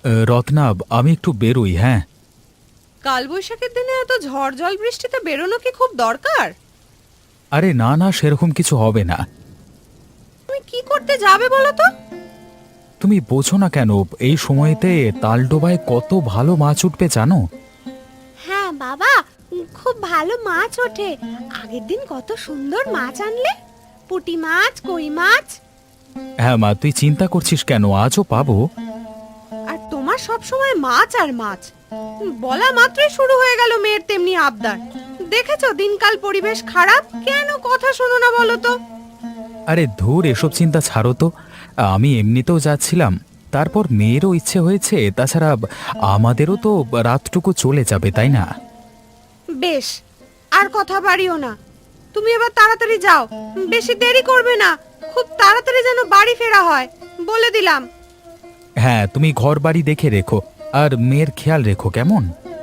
রত্না, আমি একটু বেরোই। হ্যাঁ। কালবৈশাখীর দিনে এত ঝড় জল বৃষ্টিতে বেরোনো কি খুব দরকার? আরে না না, সেরকম কিছু হবে না। তুমি কি করতে যাবে বলো তো? তুমি বোঝো না কেন, এই সময়তে তালডোবায় কত ভালো মাছ উঠবে জানো? হ্যাঁ বাবা, খুব ভালো মাছ ওঠে। আগের দিন কত সুন্দর মাছ আনলে, পুঁটি মাছ, কই মাছ। হ্যাঁ মা, তুই চিন্তা করছিস কেন? আজও পাবো। আর তোমার সব সময় মাছ আর মাছ, বলা মাত্রই শুরু হয়ে গেল মেয়ের তেমনি আবদার। দেখেছো দিনকাল পরিবেশ খারাপ, কেন কথা শোনো না বলো তো? আরে ধুর, এসব চিন্তা ছাড়ো তো। আমি এমনিতেও যাচ্ছিলাম, তারপর মেয়েরও ইচ্ছে হয়েছে। তাছাড়া আমাদেরও তো রাতটুকু চলে যাবে, তাই না? বেশ, আর কথা বাড়িও না। তুমি এবার তাড়াতাড়ি যাও, বেশি দেরি করবে না। খুব তাড়াতাড়ি যেন বাড়ি ফেরা হয়, বলে দিলাম। হ্যাঁ, তুমি ঘর বাড়ি দেখে রেখো, আর মেয়ের খেয়াল রেখো, কেমন?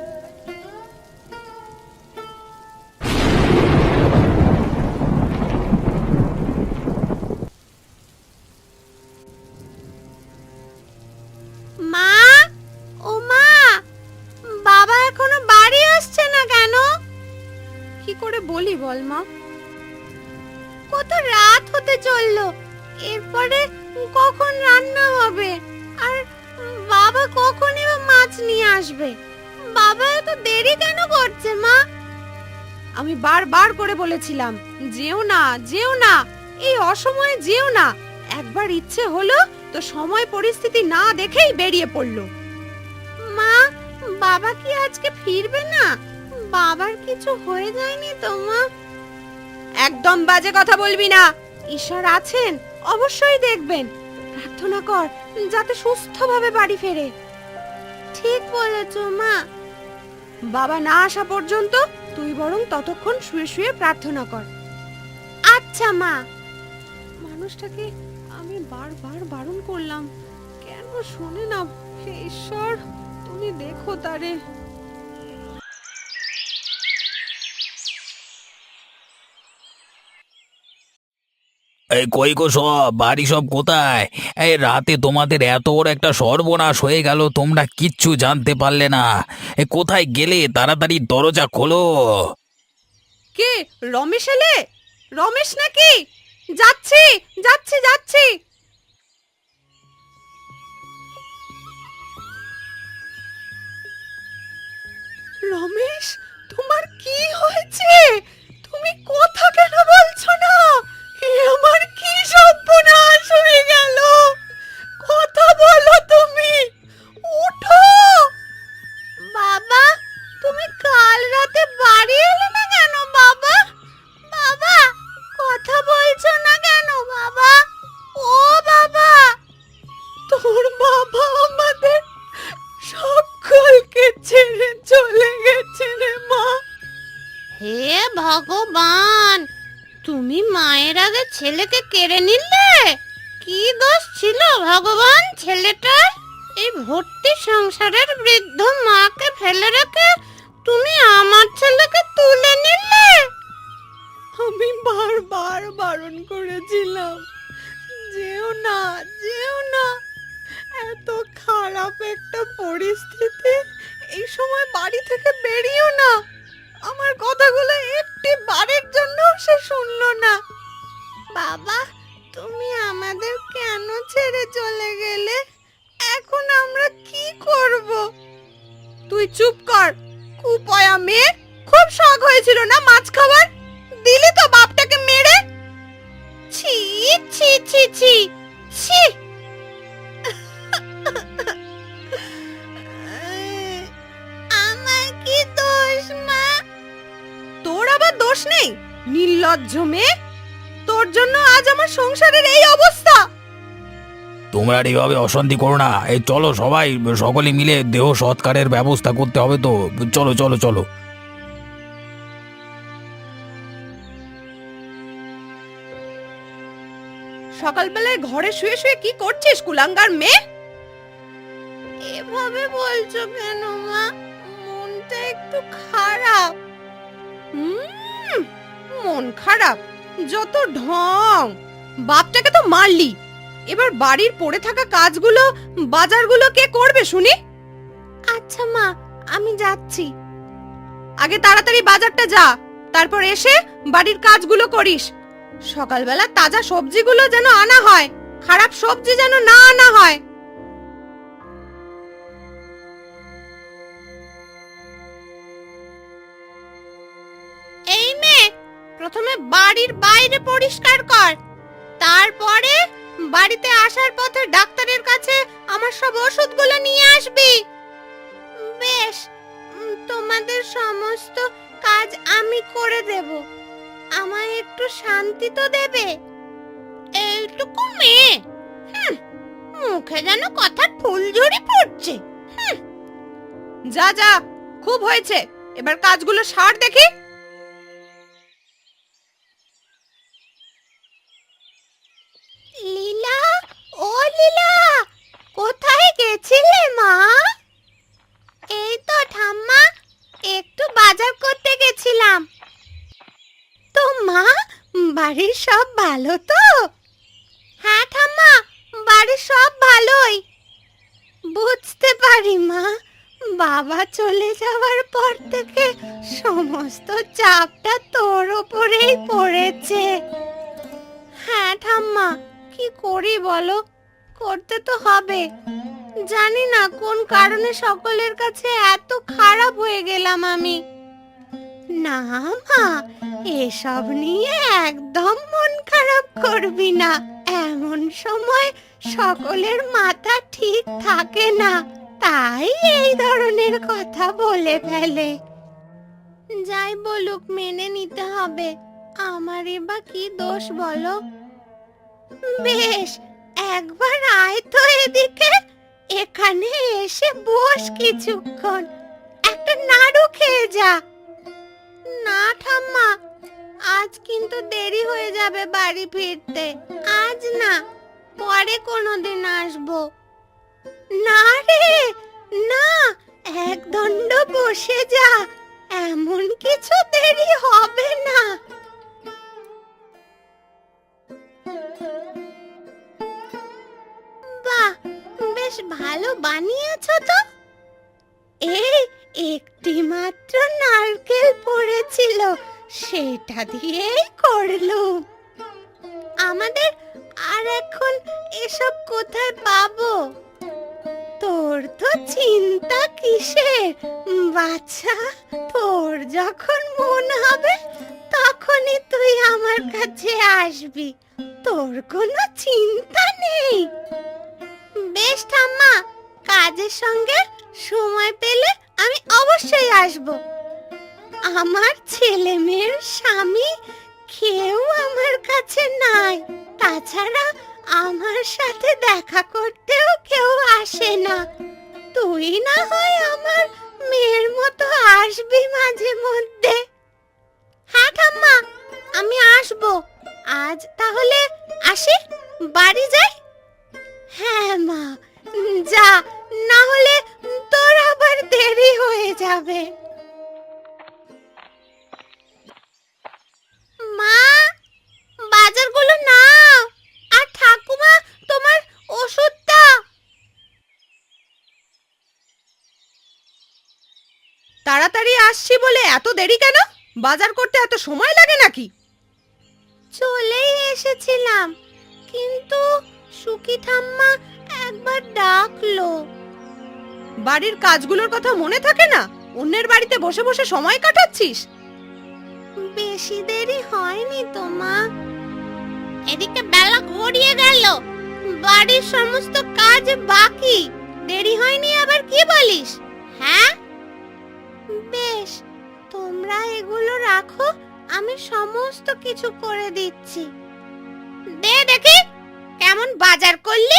মা, ও মা, বাবা এখনো বাড়ি আসছে না কেন? কি করে বলি বল মা? কত রাত হতে চললো, এরপরে কখন রান্না হবে? আর বাবা কখনই বা মাছ নিয়ে আসবে? বাবা এত দেরি কেন করছে মা? আমি বারবার করে বলেছিলাম, যেও না যেও না, এই অসময়ে যেও না। একবার ইচ্ছে হলো তো সময় পরিস্থিতি না দেখেই বেরিয়ে পড়লো। মা, বাবা কি আজকে ফিরবে না? বাবার কিছু হয়ে যায়নি তো মা? একদম বাজে কথা বলবি না। ঈশ্বর আছেন, অবশ্যই দেখবেন। প্রার্থনা কর যাতে সুস্থভাবে বাড়ি ফেরে। ঠিক বলেছো মা। বাবা না আসা পর্যন্ত তুই বরং ততক্ষণ শুয়ে শুয়ে প্রার্থনা কর। আচ্ছা মা। মানুষটাকে আমি বারবার বারণ করলাম, কেন শোনে না? হে ঈশ্বর, তুমি দেখো তারে। এই কই গো, সব বাড়ি সব কোথায়? এই রাতে তোমাদের এত বড় একটা সর্বনাশ হয়ে গেল, তোমরা কিচ্ছু জানতে পারলে না। কোথায় গেলে? তাড়াতাড়ি দরজা খোলো। কে? রমেশ এলে? রমেশ নাকি? যাচ্ছি যাচ্ছি যাচ্ছি। রমেশ, তোমার কি হয়েছে? তুমি কথা কেন বলছো না? এ আমার কি সর্বনাশ হয়ে গেল! কথা বলো তুমি, উঠো। বাবা, তুমি কাল রাতে বাড়ি এলে না কেন বাবা? বাবা, কথা বলছো না কেন বাবা? ও বাবা! তোর বাবা আমাদের সকলকে ছেড়ে চলে গেছে রে মা। হে ভগবান, তুমি মায়ের আগে ছেলেকে কেড়ে নিলে। কি দোষ ছিল ভগবান ছেলেটার? এই ভর্তি সংসারের বৃদ্ধ মাকে ফেলে রেখে তুমি আমার ছেলেকে তুলে নিলে। আমি বারবার বারণ করেছিলাম, যেও না যেও না। এত খারাপ একটা পরিস্থিতি, এই সময় বাড়ি থেকে বেরিয়েও না। আমার কথাগুলো একটি বারের জন্য সে শুনলো না। বাবা, তুমি আমাদের কেন ছেড়ে চলে গেলে? এখন আমরা কি করব? তুই চুপ কর, কুপয়া মেয়ে। খুব শখ হয়েছিল না মাছ খাবার, দিলি তো বাপটাকে মেরে। ছি ছি ছি ছি ছি! আমার কি দোষ মা? তোর আবার দোষ নেই, নির্লজ্জ মেয়ে। তোর জন্য আজ আমার সংসারের এই অবস্থা। তোমরা আর এইভাবে অশান্তি করো না। এই চলো সবাই, সকলে মিলে দেহ সৎকারের ব্যবস্থা করতে হবে তো। চলো চলো চলো। সকালবেলায় ঘরে শুয়ে শুয়ে কি করছিস কুলাঙ্গার মেয়ে? এভাবে বলছো কেন মা? মনটা একটু খারাপ। মন খারাপ? যত ঢং! বাপটাকে তো মারলি, এবার বাড়ির পড়ে থাকা কাজগুলো, বাজারগুলো কে করবে শুনি? আচ্ছা মা, আমি যাচ্ছি। আগে তাড়াতাড়ি বাজারটা যা, তারপর এসে বাড়ির কাজগুলো করিস। সকালবেলা তাজা সবজিগুলো যেন আনা হয়, খারাপ সবজি যেন না আনা হয়। এই মেয়ে, প্রথমে বাড়ির বাইরে পরিষ্কার কর, তারপরে বাড়িতে আসার পথে ডাক্তারের কাছে আমার সব ওষুধগুলো নিয়ে আসবি। বেশ, তোমাদের সমস্ত কাজ আমি করে দেব। আমায় একটু শান্তি তো দেবে। এইটুকু মেয়ে, মুখে যেন কথার ফুলঝুরি পড়ছে। যা যা, খুব হয়েছে, এবার কাজগুলো সার দেখি। লীলা, ও লীলা, কোথায় গেছিলে মা? এই তো ঠাম্মা, একটু বাজার করতে গেছিলাম। তো মা, বাড়ির সব ভালো তো? হ্যাঁ ঠাম্মা, বাড়ির সব ভালোই। বুঝতে পারি মা, বাবা চলে যাওয়ার পর থেকে সমস্ত চাপটা তোর ওপরেই পড়েছে। হ্যাঁ ঠাম্মা, কি করি বলো, করতে তো হবে। জানি না কোন কারণে সকলের কাছে এত খারাপ হয়ে গেলাম আমি। না মা, এসব নিয়ে একদম মন খারাপ করবি না। এমন সময় সকলের মাথা ঠিক থাকে না, তাই এই ধরনের কথা বলে ফেলে। যাই বলুক, মেনে নিতে হবে। আমারই বা কি দোষ বলো? বেশ, একবার আয় তো এদিকে, এখানে এসে বস কিছুক্ষণ, একটা নাড়ু খেয়ে যা। না ঠাম্মা, আজ কিন্তু দেরি হয়ে যাবে বাড়ি ফিরতে। আজ না, পরে কোনোদিন আসবো। না রে না, এক দণ্ড বসে যা, এমন কিছু দেরি হবে না। বাহ, বেশ ভালো বানিয়েছো তো। এই একটি মাত্র নারকেল পড়েছিল, সেটা দিয়েই করলুম। আমাদের আর এখন এসব কোথায় পাবো? তোর তো চিন্তা কিসের বাচ্চা, তোর যখন মন হবে তখনই তুই আমার কাছে আসবি, তোর কোনো চিন্তা নেই। বেশ ঠাম্মা, কাজের সঙ্গে সময় পেলে আমি অবশ্যই আসব। আমার ছেলে মেয়ের স্বামী কেউ আমার কাছে নাই, তাছাড়া আমার সাথে দেখা করতেও কেউ আসে না। তুই না হয় আমার মেয়ের মতো আসবি মাঝে মধ্যে। হ্যাঁ ঠাম্মা, আমি আসব। আজ তাহলে আসি, বাড়ি যাই। হ্যাঁ মা, যা, না হলে তোর আবার দেরি হয়ে যাবে। মা, বাজারগুলো নাও, আর ঠাকুমা তোমার ওষুধটা। তাড়াতাড়ি আসছি বলে এত দেরি কেন? বাজার করতে এত সময় লাগে নাকি? চলেই এসেছিলাম, কিন্তু সুখী ঠাম্মা একবার ডাকলো। বাড়ির কাজগুলোর কথা মনে থাকে না? অন্যের বাড়িতে বসে বসে সময় কাটাচ্ছিস। বেশি দেরি হয়নি তো মা, এদিকে বেলা গড়িয়ে গেল, বাড়ির সমস্ত কাজ বাকি। দেরি হয়নি আবার কি বলিস? হ্যাঁ বেশ, তোমরা এগুলো রাখো, আমি সমস্ত কিছু করে দিচ্ছি। দে দেখি কেমন বাজার করলি।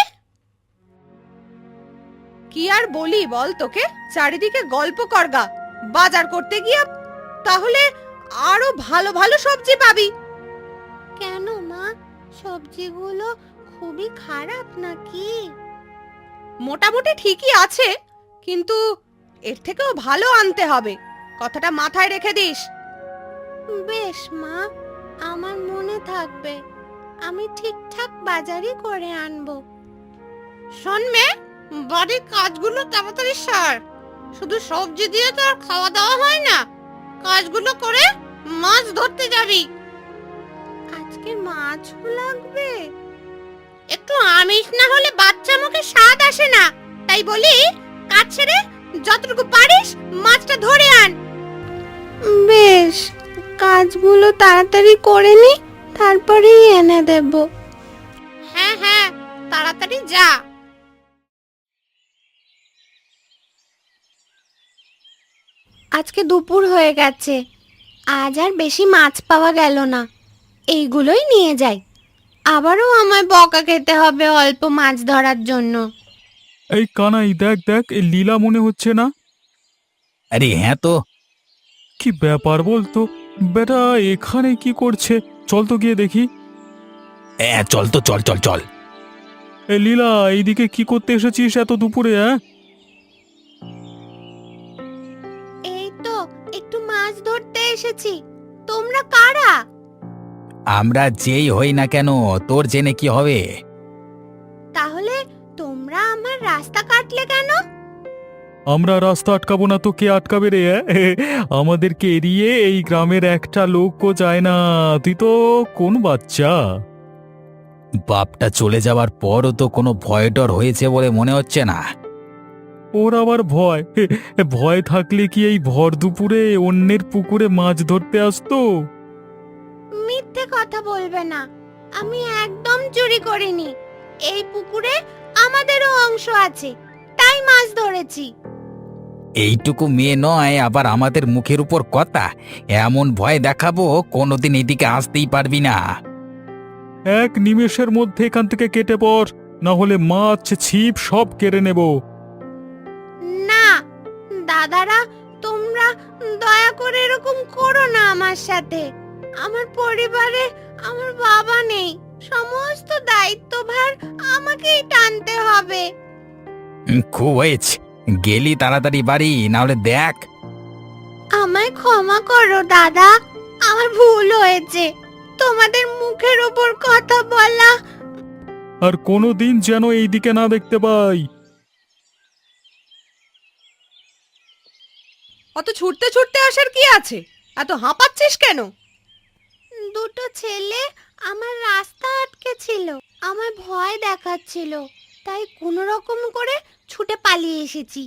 কি আর বলি বল তোকে, চারিদিকে গল্প করগা। বাজার করতে গিয়া তাহলে আরো ভালো ভালো সবজি পাবি। কেন মা, সবজিগুলো খুবই খারাপ নাকি? মোটামুটি ঠিকই আছে, কিন্তু এর থেকেও ভালো আনতে হবে, কথাটা মাথায় রেখে দিস। বেশ মা, আমার মনে থাকবে। আমি ঠিকঠাক বাজারই করে আনবো। শোন মেয়ে, বাড়ির কাজগুলো তাড়াতাড়ি সার। শুধু সবজি দিয়ে তো আর খাওয়া দাওয়া হয় না, কাজগুলো করে মাছ ধরতে যাবি। আজকে মাছও লাগবে। একটু আমিষ না হলে বাচ্চা মুখে স্বাদ আসে না, তাই বলি কাজ ছেড়ে যতটুকু পারিস মাছটা ধরে আন। বেশ, কাজগুলো তাড়াতাড়ি করে নি, তারপরেই এনে দেব। হ্যাঁ হ্যাঁ, তাড়াতাড়ি যা। আজকে দুপুর হয়ে গেছে, আজ আর বেশি মাছ পাওয়া গেল না। এইগুলোই নিয়ে যাই, আবারও আমায় বকা খেতে হবে অল্প মাছ ধরার জন্য। এই কানাই, দেখ দেখ, এই লীলা মনে হচ্ছে না? আরে হ্যাঁ তো। কি ব্যাপার বলতো, বেটা এখানে কি করছে? চল তো গিয়ে দেখি। হ্যাঁ চল তো, চল চল চল। এ লীলা, এইদিকে কি করতে এসেছিস এত দুপুরে? এই তো একটু মাছ ধরতে এসেছি। তোমরা কারা? আমরা যেই হই না কেন, তোর জেনে কি হবে? তাহলে তোমরা আমার রাস্তা কাটলে কেন? আমরা রাস্তা আটকাবো না তো কে আটকাবে রে? আমাদেরকে এড়িয়ে এই গ্রামের একটা লোকও যায় না। তুই তো কোন বাচ্চা? বাপটা চলে যাওয়ার পরও তো কোনো ভয় ডর হয়েছে বলে মনে হচ্ছে না। ওর আবার ভয়? ভয় থাকলে কি এই ভর দুপুরে অন্যের পুকুরে মাছ ধরতে আসতো? মিথ্যে কথা বলবে না, আমি একদম চুরি করিনি। এই পুকুরে আমাদেরও অংশ আছে, তাই মাছ ধরেছি। এইটুকু মেয়ে নয়, আবার আমাদের মুখের উপর কথা। এমন ভয় দেখাবো কোনোদিন এদিকে আসতেই পারবি না। এক নিমেষের মধ্যে এখান থেকে কেটে পড়, না হলে মাছ ছিপ সব কেড়ে নেব। না দাদারা, তোমরা দয়া করে এরকম করো না আমার সাথে। আমার পরিবারে আমার বাবা নেই, সমস্ত দায়িত্বভার আমাকেই টানতে হবে। খুব হয়েছে, গেলি তাড়াতাড়ি বাড়ি, না হলে দেখ। আমায় ক্ষমা করো দাদা, আমার ভুল হয়েছে। তোমাদের মুখের উপর কথা বলা আর কোনোদিন যেন এইদিকে না দেখতে পাই। অত ছুটতে ছুটতে আসার কি আছে? এত হাঁপাচ্ছিস কেন? দুটো ছেলে আমার রাস্তা আটকে ছিল, আমার ভয় দেখাচ্ছিল, তাই কোনো রকম করে ছুটে পালিয়ে এসেছি।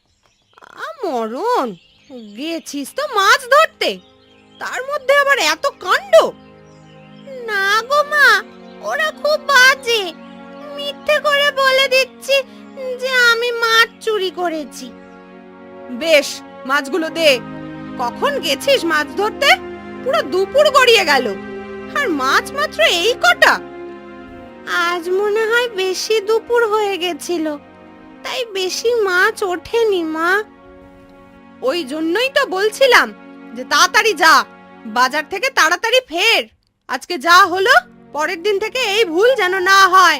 মরণ, গেছিস তো মাছ ধরতে, তার মধ্যে আবার এত কাণ্ড। না গো মা, ওরা খুব বাজে, মিথ্যে করে বলে দিচ্ছি যে আমি মাছ চুরি করেছি। বেশ, মাছগুলো দে। কখন গেছিস মাছ ধরতে? পুরো দুপুর গড়িয়ে গেল, আর মাছ মাত্র এই কটা। আজ মনে হয় বেশি দুপুর হয়ে গেছিল, তাই বেশি মাছ ওঠেনি মা। ওই জন্যই তো বলছিলাম যে তাড়াতাড়ি যা, বাজার থেকে তাড়াতাড়ি ফের। আজকে যা হলো, পরের দিন থেকে এই ভুল যেন না হয়।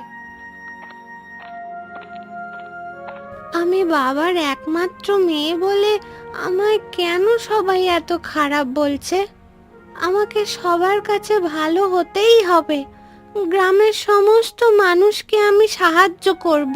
আমি বাবার একমাত্র মেয়ে বলে আমায় কেন সবাই এত খারাপ বলছে? আমাকে সবার কাছে ভালো হতেই হবে। গ্রামের সমস্ত মানুষকে আমি সাহায্য করব।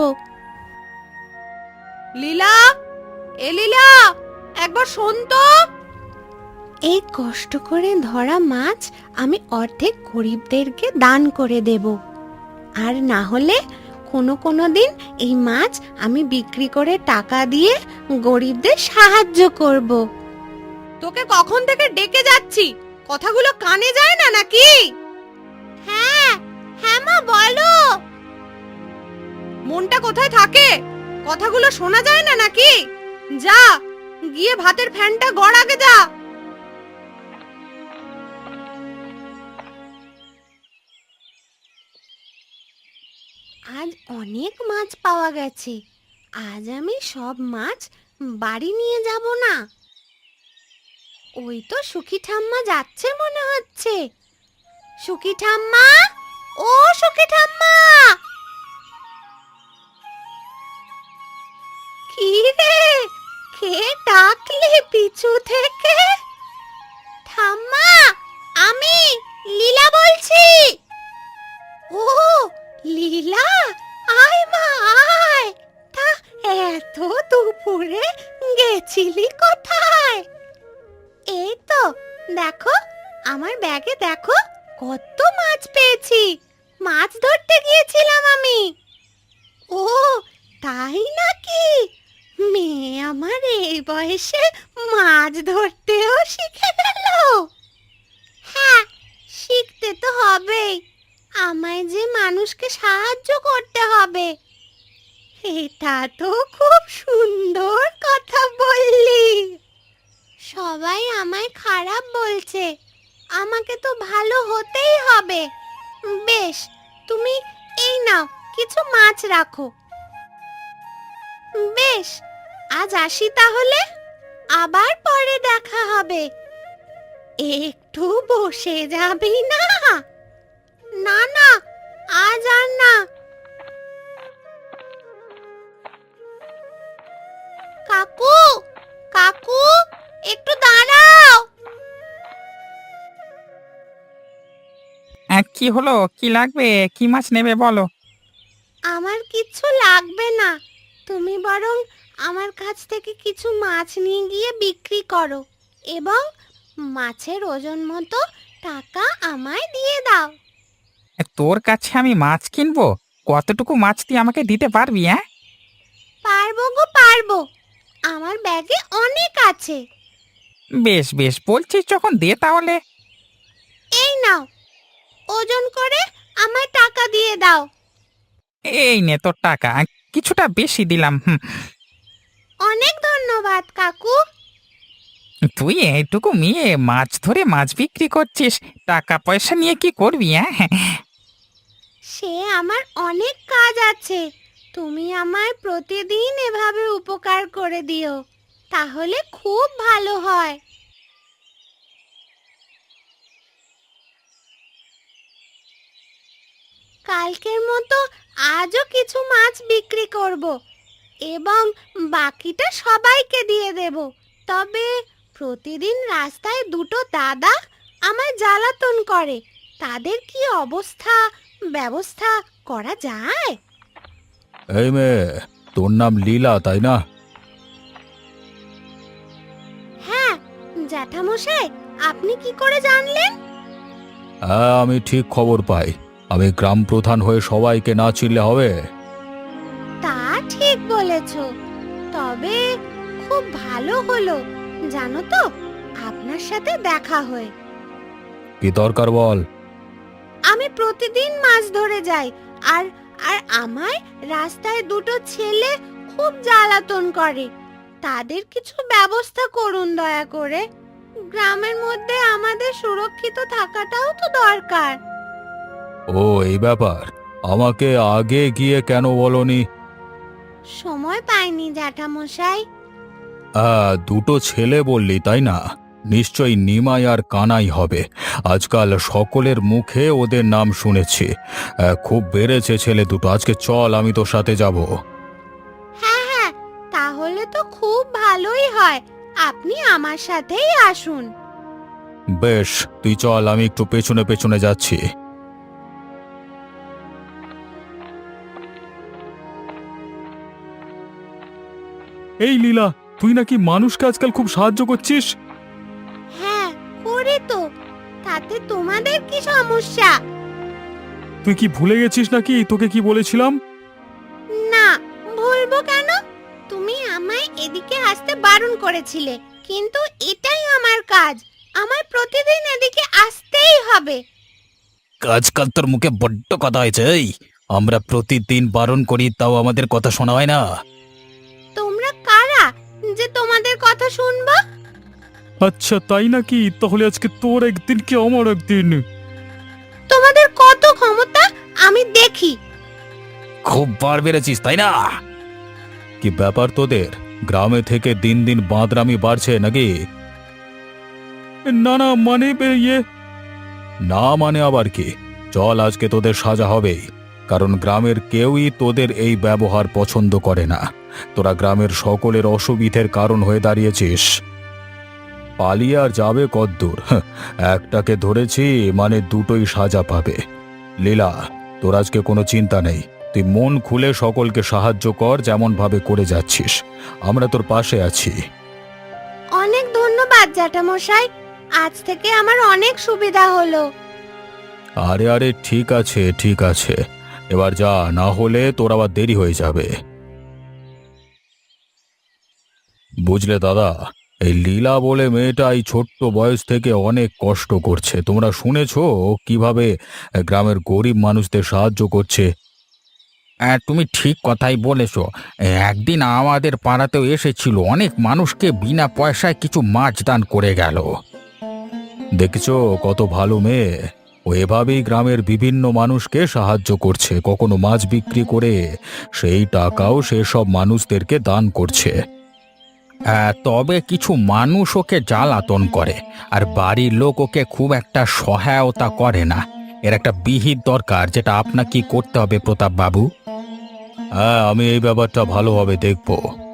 লীলা, এ লীলা, একবার শোন তো। এই কষ্ট করে ধরা মাছ আমি অর্ধেক গরিবদেরকে দান করে দেব, আর না হলে কোনো দিন এই মাছ আমি বিক্রি করে টাকা দিয়ে গরিবদের সাহায্য করব। তোকে কখন থেকে ডেকে যাচ্ছি, কথাগুলো কানে যায় না নাকি? হ্যাঁ হ্যাঁ মা, বলো। মনটা কোথায় থাকে? কথাগুলো শোনা যায় না নাকি? যা গিয়ে ভাতের ফ্যানটা গড় আগে যা। আজ অনেক মাছ পাওয়া গেছে, আজ আমি সব মাছ বাড়ি নিয়ে যাব না। ওই তো সুখী ঠাম্মা যাচ্ছে মনে হচ্ছে। সুখী ঠাম্মা, ও সুখী ঠাম্মা! কি রে, কে ডাকলি পিছু থেকে? ঠাম্মা, আমি লীলা বলছি। দেখো, আমার ব্যাগে দেখো কত মাছ পেয়েছি। মাছ ধরতে গিয়েছিলাম আমি। ও, তাই নাকি? মেয়ে আমার এই বয়সে মাছ ধরতেও শিখে গেল। হ্যাঁ, শিখতে তো হবেই। আমায় যে মানুষকে সাহায্য করতে হবে। এটা তো খুব সুন্দর কথা বললি। সবাই আমায় খারাপ বলছে, আমাকে তো ভালো হতেই হবে। বেশ, তুমি এই নাও, কিছু মাছ রাখো। বেশ, আজ আসি তাহলে, আবার পরে দেখা হবে। একটু বসে যাবি না? না না, আজ আর না। কাকু, কাকু, একটু দাঁড়াও। কি হলো? কি লাগবে? কি মাছ নেবে বলো? আমার কিচ্ছু লাগবে না, তুমি বরং আমার কাছ থেকে কিছু মাছ নিয়ে গিয়ে বিক্রি করো এবং মাছের ওজন মতো টাকা আমায় দিয়ে দাও। তোর কাছে আমি মাছ কিনবো? কতটুকু মাছ তুই আমাকে দিতে পারবি? হ্যাঁ, পারবো গো পারবো, আমার ব্যাগে অনেক আছে। বেশ বেশ, বলছিস যখন দে তাহলে। এই নাও, ওজন করে আমায় টাকা দিয়ে দাও। এই নে তোর টাকা, কিছুটা বেশি দিলাম। অনেক ধন্যবাদ কাকু। তুই এইটুকু মেয়ে মাছ ধরে মাছ বিক্রি করছিস, টাকা পয়সা নিয়ে কি করবি? হ্যাঁ, সে আমার অনেক কাজ আছে, তুমি আমায় প্রতিদিন এভাবে উপকার করে দিও, তাহলে খুব ভালো হয়। কালকের মতো আজও কিছু মাছ বিক্রি করব এবং বাকিটা সবাইকে দিয়ে দেব। তবে প্রতিদিন রাস্তায় দুটো দাদা আমায় জ্বালাতন করে, তাদের কি ব্যবস্থা করা যায়? এই মেয়ে, তোর নাম লীলা তাই না? হ্যাঁ জ্যাঠামশাই, আপনি কি করে জানলেন? হ্যাঁ, আমি ঠিক খবর পাই। আমি গ্রাম প্রধান হয়ে সবাইকে না চিনলে হবে? তা ঠিক বলেছ, তবে খুব ভালো হলো জানো তো আপনার সাথে দেখা হয়ে। কি দরকার বল? আমি প্রতিদিন মাছ ধরে যাই, আর আর আমায় রাস্তায় দুটো ছেলে খুব জ্বালাতন করে, তাদের কিছু ব্যবস্থা করুন দয়া করে। গ্রামের মধ্যে আমাদের সুরক্ষিত থাকাটাও তো দরকার। ও, এই ব্যাপার। আমাকে আগে গিয়ে কেন বলনি? সময় পাইনি জ্যাঠামশাই। দুটো ছেলে বললি তাই না? নিশ্চয়ই নিমাই আর কানাই হবে। আজকাল সকলের মুখে ওদের নাম শুনেছি। খুব বেড়েছে ছেলে দুটো। আজকে চল, আমি তোর সাথে যাব। হ্যাঁ হ্যাঁ, তাহলে তো খুব ভালোই হয়, আপনি আমার সাথেই আসুন। বেশ, তুই চল, আমি একটু পেছনে পেছনে যাচ্ছি। এই লীলা, তুই নাকি মানুষকে আজকাল খুব সাহায্য করছিস? হ্যাঁ করে তো, তাতে তোমাদের কি সমস্যা? তুই কি ভুলে গেছিস নাকি তোকে কি বলেছিলাম? না, ভুলবো কেন? তুমি আমায় এদিকে আসতে বারণ করেছিলে, কিন্তু এটাই আমার কাজ, আমার প্রতিদিন এদিকে আসতেই হবে। আজকাল তোর মুখে বড্ড কথা হয়েছে। এই, আমরা প্রতিদিন বারণ করি, তাও আমাদের কথা শোনা হয় না। তোমরা কারা যে তোমাদের কথা শুনবো? আচ্ছা তাই নাকি? তাহলে আজকে তোর একদিন কি আমার একদিন। তোমাদের কত ক্ষমতা আমি দেখি। খুব বার বেড়েছিস তাই না? কি ব্যাপার তোদের? গ্রামে থেকে দিন দিন বাঁদরামি বাড়ছে নাকি? না না, মানে না মানে আবার কি? চল, আজকে তোদের সাজা হবেই, কারণ গ্রামের কেউই তোদের এই ব্যবহার পছন্দ করে না। তোরা গ্রামের সকলের অসুবিধের কারণ হয়ে দাঁড়িয়েছিস। পালিয়ে আর যাবে কদ্দূর? একটাকে ধরেছি মানে দুটোই সাজা পাবে। লীলা, তোর আজকে কোনো চিন্তা নেই। তুই মন খুলে সকলকে সাহায্য কর, যেমন ভাবে করে যাচ্ছিস। আমরা তোর পাশে আছি। অনেক ধন্যবাদ জ্যাঠামশাই, আজ থেকে আমার অনেক সুবিধা হলো। আরে আরে ঠিক আছে ঠিক আছে, এবার যা, না হলে তোর আবার দেরি হয়ে যাবে। বুঝলে দাদা, এই লীলা বলে মেয়েটা এই ছোট্ট বয়স থেকে অনেক কষ্ট করছে। তোমরা শুনেছো ও কিভাবে গ্রামের গরিব মানুষদের সাহায্য করছে। তুমি ঠিক কথাই বলেছো। একদিন আমাদের পাড়াতেও এসেছিল, অনেক মানুষকে বিনা পয়সায় কিছু মাছ দান করে গেল। দেখেছো কত ভালো মেয়ে। ও এভাবেই গ্রামের বিভিন্ন মানুষকে সাহায্য করছে, কখনো মাছ বিক্রি করে সেই টাকাও সেসব মানুষদেরকে দান করছে। তবে কিছু মানুষ ওকে জ্বালাতন করে, আর বাড়ির লোক ওকে খুব একটা সহায়তা করে না। এর একটা বিহিত দরকার, যেটা আপনাকে করতে হবে প্রতাপ বাবু। হ্যাঁ, আমি এই ব্যাপারটা ভালোভাবে দেখব।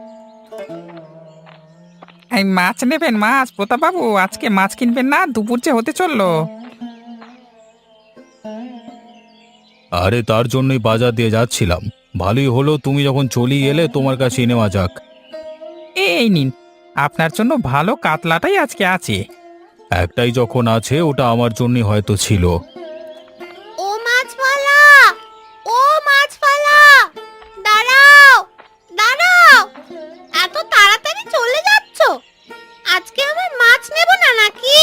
এই মাছ নেবেন? মাছ প্রতাপ বাবু, আজকে মাছ কিনবেন না? দুপুর যে হতে চললো। আরে তার জন্যই বাজার দিয়ে যাচ্ছিলাম। ভালোই হলো তুমি যখন চলেই এলে, তোমার কাছে নেওয়া যাক। এই নিন, আপনার জন্য ভালো কাতলাটাই আজকে আছে। একটাই যখন আছে, ওটা আমার জন্যই হয়তো ছিল। ও মাছওয়ালা, ও মাছওয়ালা, দাঁড়াও দাঁড়াও, এত তাড়াতাড়ি চলে যাচ্ছ? আজকে আমার মাছ নেব না নাকি?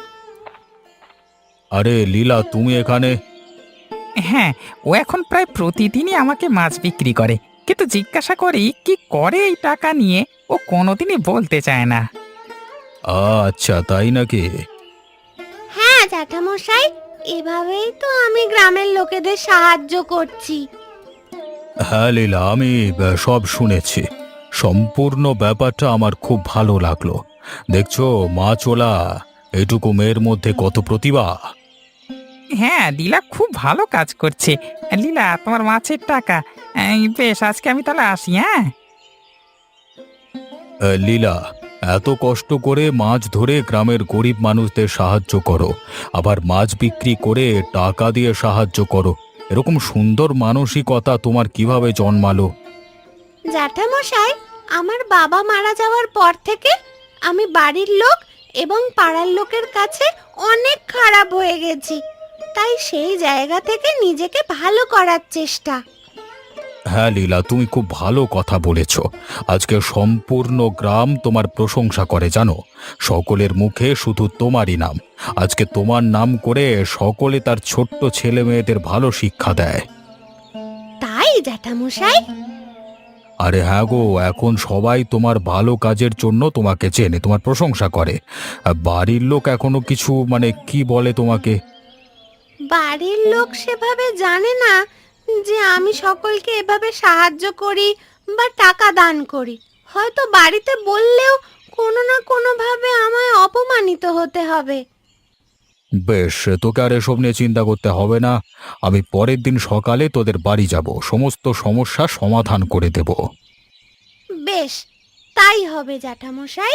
আরে লীলা, তুমি এখানে? হ্যাঁ, ও এখন প্রায় প্রতিদিনই আমাকে মাছ বিক্রি করে, কিন্তু জিজ্ঞাসা করি কি করে এই টাকা নিয়ে, ও কোনোদিনই বলতে চায় না। আচ্ছা, তাই নাকি? হ্যাঁ জ্যাঠামশাই, এভাবেই তো আমি গ্রামের লোকেদের সাহায্য করছি। হ্যাঁ লীলা, আমি সব শুনেছি। সম্পূর্ণ ব্যাপারটা আমার খুব ভালো লাগলো। দেখছো মাছওয়ালা, এটুকু মেয়ের মধ্যে কত প্রতিভা। হ্যাঁ, লীলা খুব ভালো কাজ করছে। লীলা, তোমার মাছের টাকা। বেশ, আজকে আমি তাহলে আসি। হ্যাঁ লীলা, এত কষ্ট করে মাছ ধরে গ্রামের গরিব মানুষদের সাহায্য করো, আবার মাছ বিক্রি করে টাকা দিয়ে সাহায্য করো। এরকম সুন্দর মানসিকতা তোমার কিভাবে জন্মালো? জ্যাঠামশাই, আমার বাবা মারা যাওয়ার পর থেকে আমি বাড়ির লোক এবং পাড়ার লোকের কাছে অনেক খারাপ হয়ে গেছি। তাই সেই জায়গা থেকে নিজেকে ভালো করার চেষ্টা। হ্যাঁ লীলা, তুমি খুব ভালো কথা বলেছ। আজকে সম্পূর্ণ গ্রাম তোমার প্রশংসা করে, জানো। সকলের মুখে শুধু তোমারই নাম। আজকে তোমার নাম করে সকলে তার ছোট্ট ছেলে মেয়েদের ভালো শিক্ষা দেয়। তাই জ্যাঠামশাই? আরে হ্যাঁ গো, এখন সবাই তোমার ভালো কাজের জন্য তোমাকে চেনে, তোমার প্রশংসা করে। বাড়ির লোক এখনো কিছু কি বলে তোমাকে? বাড়ির লোক সেভাবে জানে না যে আমি সকলকে এভাবে সাহায্য করি বা টাকা দান করি। হয়তো বাড়িতে বললেও কোনো না কোনো ভাবে আমায় অপমানিত হতে হবে। বেশ, তোকে আর এসব নিয়ে চিন্তা করতে হবে না। আমি পরের দিন সকালে তোদের বাড়ি যাব, সমস্ত সমস্যা সমাধান করে দেব। বেশ, তাই হবে জ্যাঠামশাই।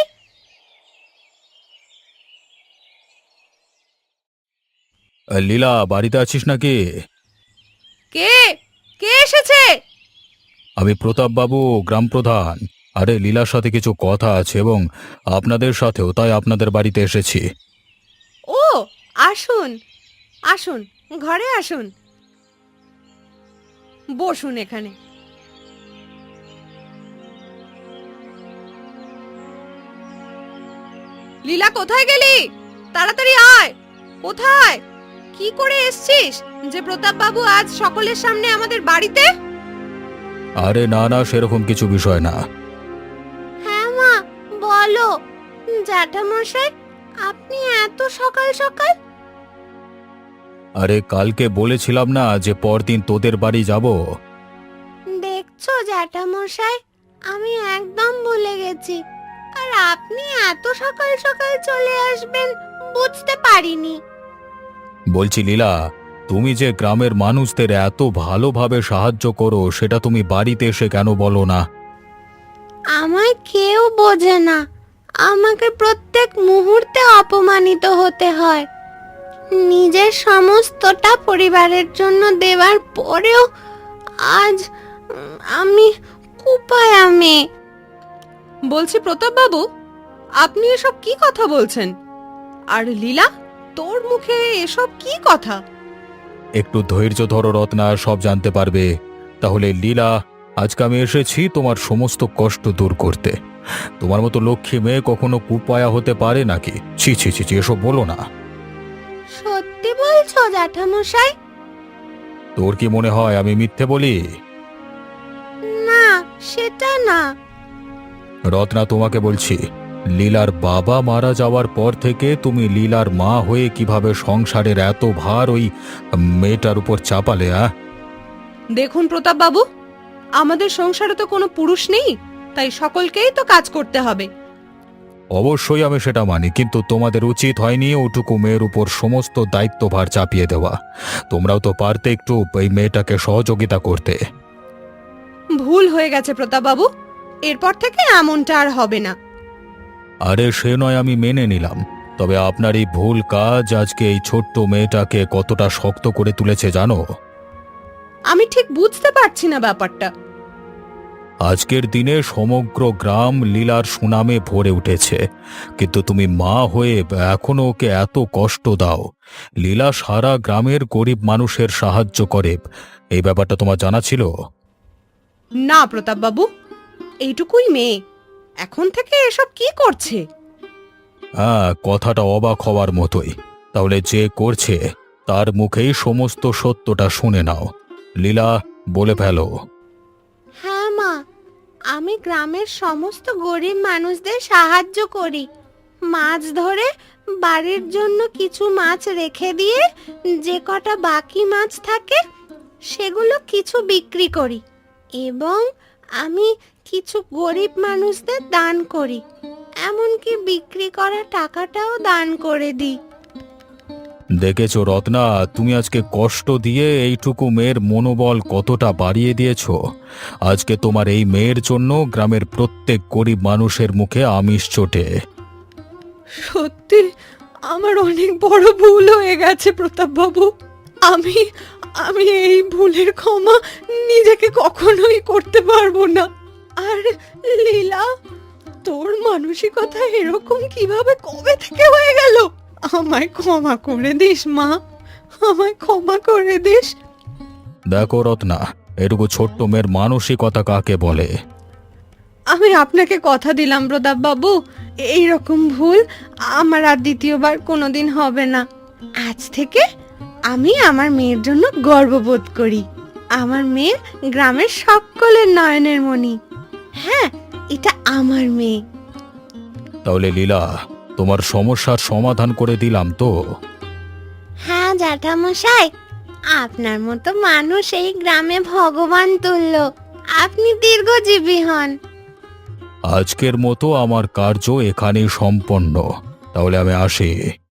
লীলা, বাড়িতে আছিস নাকি? কে কে এসেছে? আমি প্রতাপ বাবু, গ্রাম প্রধান। আরে লীলার সাথে কিছু কথা আছে, এবং আপনাদের সাথেও, তাই আপনাদের বাড়িতে এসেছি। ও, আসুন আসুন, ঘরে আসুন, বসুন এখানে। লীলা, কোথায় গেলি? তাড়াতাড়ি আয়। কোথায়? কি করে এসছিস যে প্রতাপ বাবু আজ সকলের সামনে আমাদের বাড়িতে? আরে না না, সেরকম কিছু বিষয় না। হ্যাঁ মা, বলো। জ্যাঠামশাই, আপনি এত সকাল সকাল? আরে কালকে বলেছিলাম না যে পরদিন তোদের বাড়ি যাব। দেখছো জ্যাঠামশাই, আমি একদম ভুলে গেছি। আর আপনি এত সকাল সকাল চলে আসবেন বুঝতে পারিনি। বলছি লীলা, তুমি যে গ্রামের মানুষদের এত ভালোভাবে সাহায্য করো, সেটা তুমি বাড়িতে এসে কেন বলো না? আমায় কেউ বোঝে না। আমাকে প্রত্যেক মুহূর্তে অপমানিত হতে হয়। নিজের সমস্তটা পরিবারের জন্য দেওয়ার পরেও আজ আমি কুপায়া মেয়ে। বলছি প্রতাপ বাবু, আপনি এসব কি কথা বলছেন? আর লীলা, তোর মুখে এসব কি কথা? একটু ধৈর্য ধরো রত্না, সব জানতে পারবে। তাহলে লীলা, আজকে আমি এসেছি তোমার সমস্ত কষ্ট দূর করতে। তোমার মতো লক্ষ্মী মেয়ে কখনো কুপায়া হতে পারে নাকি? ছি ছি ছি ছি, এসব বলো না। সত্যি বলছো জ্যাঠামশাই? তোর কি মনে হয় আমি মিথ্যে বলি? না, সেটা না। রত্না, তোমাকে বলছি, লীলার বাবা মারা যাওয়ার পর থেকে তুমি লীলার মা হয়ে কিভাবে সংসারের এত ভার ওই মেয়েটার উপর চাপালে? দেখুন প্রতাপ বাবু, আমাদের সংসারে তো কোনো পুরুষ নেই, তাই সকলকেই তো কাজ করতে হবে। অবশ্যই আমি সেটা মানি, কিন্তু তোমাদের উচিত হয়নি ওটুকু মেয়ের উপর সমস্ত দায়িত্বভার চাপিয়ে দেওয়া। তোমরাও তো পারতে একটু এই মেয়েটাকে সহযোগিতা করতে। ভুল হয়ে গেছে প্রতাপ বাবু, এরপর থেকে এমনটা আর হবে না। আরে সে নয়, আমি মেনে নিলাম, তবে আপনার এই ভুল কাজ আজকে এই ছোট্ট মেয়েটাকে কতটা শক্ত করে তুলেছে জানো? আমি ঠিক বুঝতে পারছি না ব্যাপারটা। আজকের দিনে সমগ্র গ্রাম লীলার সুনামে ভরে উঠেছে, কিন্তু তুমি মা হয়ে এখনো ওকে এত কষ্ট দাও। লীলা সারা গ্রামের গরিব মানুষের সাহায্য করে, এই ব্যাপারটা তোমার জানা ছিল? না প্রতাপ বাবু, এইটুকুই মেয়ে, এখন থেকে এসব কি করছে? হ্যাঁ, কথাটা অবাক হওয়ার মতোই। তাহলে যে করছে তার মুখেই সমস্ত সত্যটা শুনে নাও। লীলা, বলে ফেলো। হ্যাঁ মা, আমি গ্রামের সমস্ত গরিব মানুষদের সাহায্য করি। মাছ ধরে বাড়ির জন্য কিছু মাছ রেখে দিয়ে যে কটা বাকি মাছ থাকে সেগুলো কিছু বিক্রি করি, এবং আমি কিছু গরিব মানুষদের দান করি। এমনকি বিক্রি করা টাকাটাও দান করে দিই। দেখেছো রত্না, তুমি আজকে কষ্ট দিয়ে এইটুকু মেয়ের মনোবল কতটা বাড়িয়ে দিয়েছো। আজকে তোমার এই মেয়ের জন্য গ্রামের প্রত্যেক গরিব মানুষের মুখে আমিষ চটে। সত্যি আমার অনেক বড় ভুল হয়ে গেছে প্রতাপ বাবু। আমি আমি এই ভুলের ক্ষমা নিজেকে কখনোই করতে পারবো না। আর লীলা, তোর মানসিকতা এরকম কিভাবে কবে থেকে হয়ে গেল? আমায় ক্ষমা করে দিস মা, আমায় ক্ষমা করে দিস। দেখো রত্না, এটুকু ছোট্ট মেয়ের মানসিকতা কাকে বলে? আমি আপনাকে কথা দিলাম প্রতাপ বাবু, এইরকম ভুল আমার আর দ্বিতীয়বার কোনোদিন হবে না। আজ থেকে আমি আমার মেয়ের জন্য গর্ববোধ করি। আমার মেয়ে গ্রামের সকলের নয়নের মণি। হ্যাঁ, এটা আমার মেয়ে। তাহলে লীলা, তোমার সমস্যার সমাধান করে দিলাম তো? হ্যাঁ জ্যাঠামশাই, আপনার মতো মানুষ এই গ্রামে ভগবান তুল্য। আপনি দীর্ঘজীবী হন। আজকের মতো আমার কার্য এখানেই সম্পন্ন। তাহলে আমি আসি।